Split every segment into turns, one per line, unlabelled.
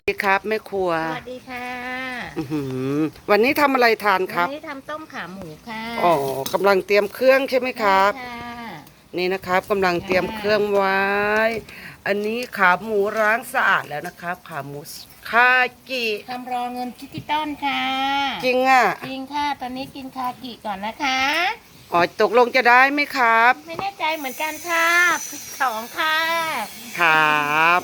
ดีครับแม่ครัว
สวัสดีค่ะ
วันนี้ทำอะไรทานครับ
วันนี้ทำต้มขาหมูค่ะ
อ๋อกำลังเตรียมเครื่องใช่ไหมครับ
ค่ะ
นี่นะครับกำลังเตรียมเครื่องไว้ อันนี้ขาหมูล้างสะอาดแล้วนะครับขาหมูคากิ
ทำรอเงินดิจิตอลค่ะ
จริงอ่ะ
จริงค่ะตอนนี้กินคากิก่อนนะคะ
อ๋อตกลงจะได้ไหมครับ
ไม่แน่ใจเหมือนกันค่ะสองค่ะ
ครับ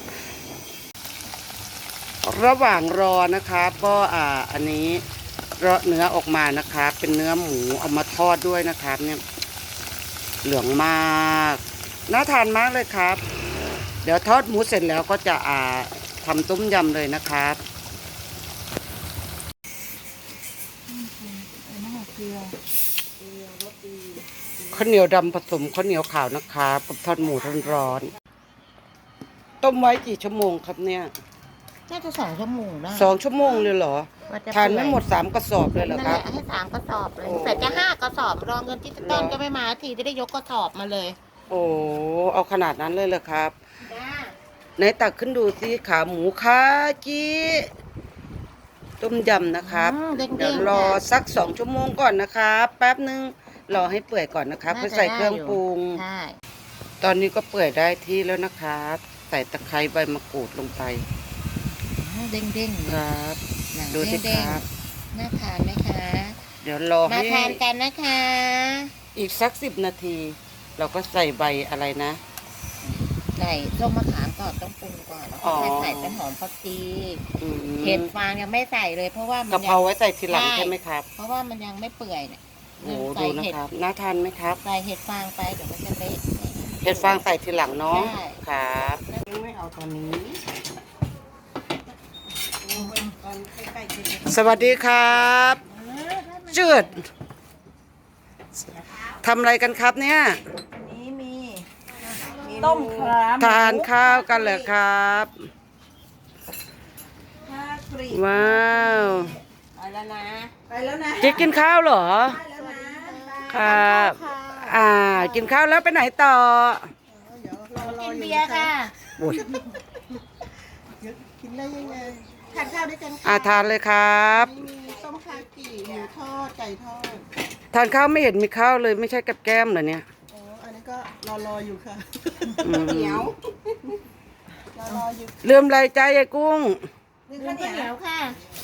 ระหว่างรอนะครับก็อันนี้เลาะเนื้อออกมานะครับเป็นเนื้อหมูเอามาทอดด้วยนะครับเนี่ยเหลืองมากน่าทานมากเลยครับเดี๋ยวทอดหมูเสร็จแล้วก็จะทำต้มยำเลยนะครับข้าวเหนียวดำผสมข้าวเหนียวขาวนะครับกับทอดหมูร้อนๆต้มไว้กี่ชั่วโมงครับเนี่ย
น่าจะ2 ชั่วโมงได้
2 ชั่วโมงเลยเหรอทานไม่หมด3 กระสอบเลยเหรอครับ
ให้3 กระสอบเลยแต่จะ5 กระสอบรอเงินดิจิตอลก็ไม่มาทีจะได้ยกกระสอบมาเลย
โอ้เอาขนาดนั้นเลยเหรอครับไหนตักขึ้นดูสิขาหมูคาจิต้มยำนะครับเดี๋ยวรอสัก2 ชั่วโมงก่อนนะครับแป๊บนึงรอให้เปื่อยก่อนนะครับเพื่อใส่เครื่องปรุงตอนนี้ก็เปื่อยได้ที่แล้วนะครับใส่ตะไคร้ใบมะกรูดลงไป
เด้งๆ
ครับดูสิครับ
น่าทานไหมคะ
เดี๋ยวรอให้
มาทานกันนะคะ
อีกสัก10 นาที เราก็ใส่ใบอะไรนะ
ใส่ส้มมะขามก่อนต้องปรุงก่อนแล้วก็ใส่เป็นหอมผักชีเห็ดฟางยังไม่ใส่เลยเพราะว่ามัน
กะเพราไว้ใส่ทีหลังใช่ไหมครับ
เพราะว่ามันยังไม่เปื่อยเนี่ย
โอ้ดูนะครับน่าทานไหมครับ
ใส่เห็ดฟางไปเดี๋ยวมันจะเละ
เห็ดฟางใส่ทีหลังเนาะครับไม่เอาตอนนี้สวัสดีครับจืดทำอะไรกันครับเนี่ย
นี้มีต้มขาหมู
ทานข้าวกันเหรอครับว้าว
ไปแล้วนะ
จิ๊กกินข้าวเหรอครับกินข้าวแล้วไปไหนต่อ
กินเบียร์ค่ะ
บุญ
กินได้ยังไงทานข้าวด้วยกัน
ทานเลยครับ
มีต้มคากิหมูทอดไก่ทอด
ทานข้าวไม่เห็นมีข้าวเลยไม่ใช่กับแก้มเหรอเนี่ย
อ๋ออันนี้ก็รออยู่ค่ะเหนียวรออยู่
ลืมอะไรใจไอ้กุ้ง
ลืมข้าวเหนียวค่ะ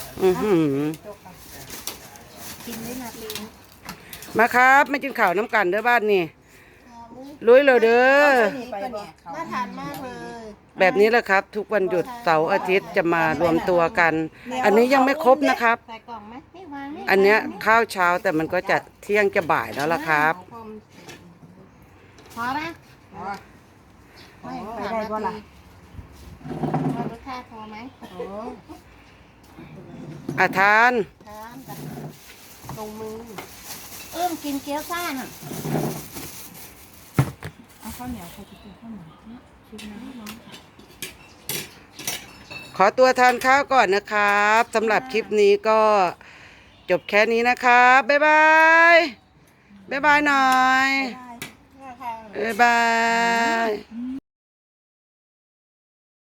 กินได้นาที
มาครับไม่กินข้าวน้ำกันเด้อบ้านนี่ลุยเลยเด้อ
น่าทานมากเลย
แบบนี้แหละครับทุกวันหยุดเสาร์อาทิตย์จะมารวมตัวกัน อันนี้ยังไม่ครบนะครับอันเนี้ยข้าวเช้าแต่มันก็จะเที่ยงจะบ่ายแล้วล่ะครับ
พอไหมไม่ได้ก็ล่ะรสชาติพอไหม
ทาน
ตรงมือกินเกี๊ยวซ่าน่ะเอาข้าวเหนียวใครจะกินข้าวเหนียวชิมนะน้อง
ขอตัวทานข้าวก่อนนะครับสำหรับคลิปนี้ก็จบแค่นี้นะครับบ๊ายบายบ๊ายบายหน่อยบ๊ายบาย